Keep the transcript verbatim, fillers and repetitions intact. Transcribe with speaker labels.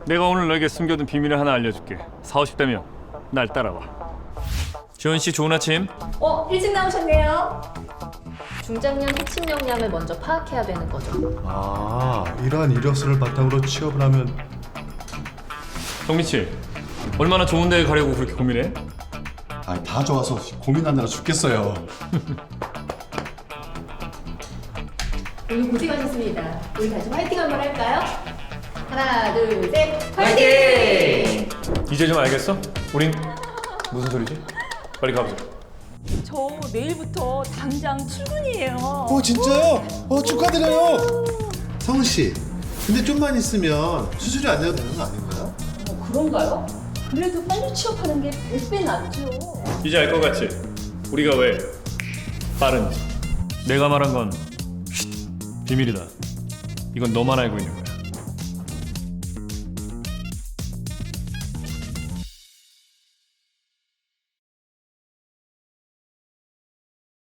Speaker 1: 내가 오늘 너에게 숨겨둔 비밀을 하나 알려줄게. 사오십 대면 날 따라와. 지원 씨 좋은 아침.
Speaker 2: 어, 일찍 나오셨네요.
Speaker 3: 중장년 해침 역량을 먼저 파악해야 되는 거죠.
Speaker 4: 아, 이러한 이력서를 바탕으로 취업을 하면
Speaker 1: 정민 씨, 얼마나 좋은 데 가려고 그렇게 고민해?
Speaker 4: 아, 다 좋아서 고민하느라 죽겠어요.
Speaker 2: 오늘 고생하셨습니다. 우리 다시 화이팅 한번 할까요? 하나, 둘, 셋, 화이팅!
Speaker 1: 이제 좀 알겠어? 우린 무슨 소리지? 빨리 가보자.
Speaker 5: 저 내일부터 당장 출근이에요.
Speaker 4: 어, 진짜요? 어, 축하드려요. 성은 씨, 근데 좀만 있으면 수술이 안 해도 되는 거 아닌가요?
Speaker 5: 어, 그런가요? 그래도 빨리 취업하는 게 백 배 낫죠.
Speaker 1: 이제 알 것 같지? 우리가 왜 빠른지. 내가 말한 건 쉿, 비밀이다. 이건 너만 알고 있는 거야.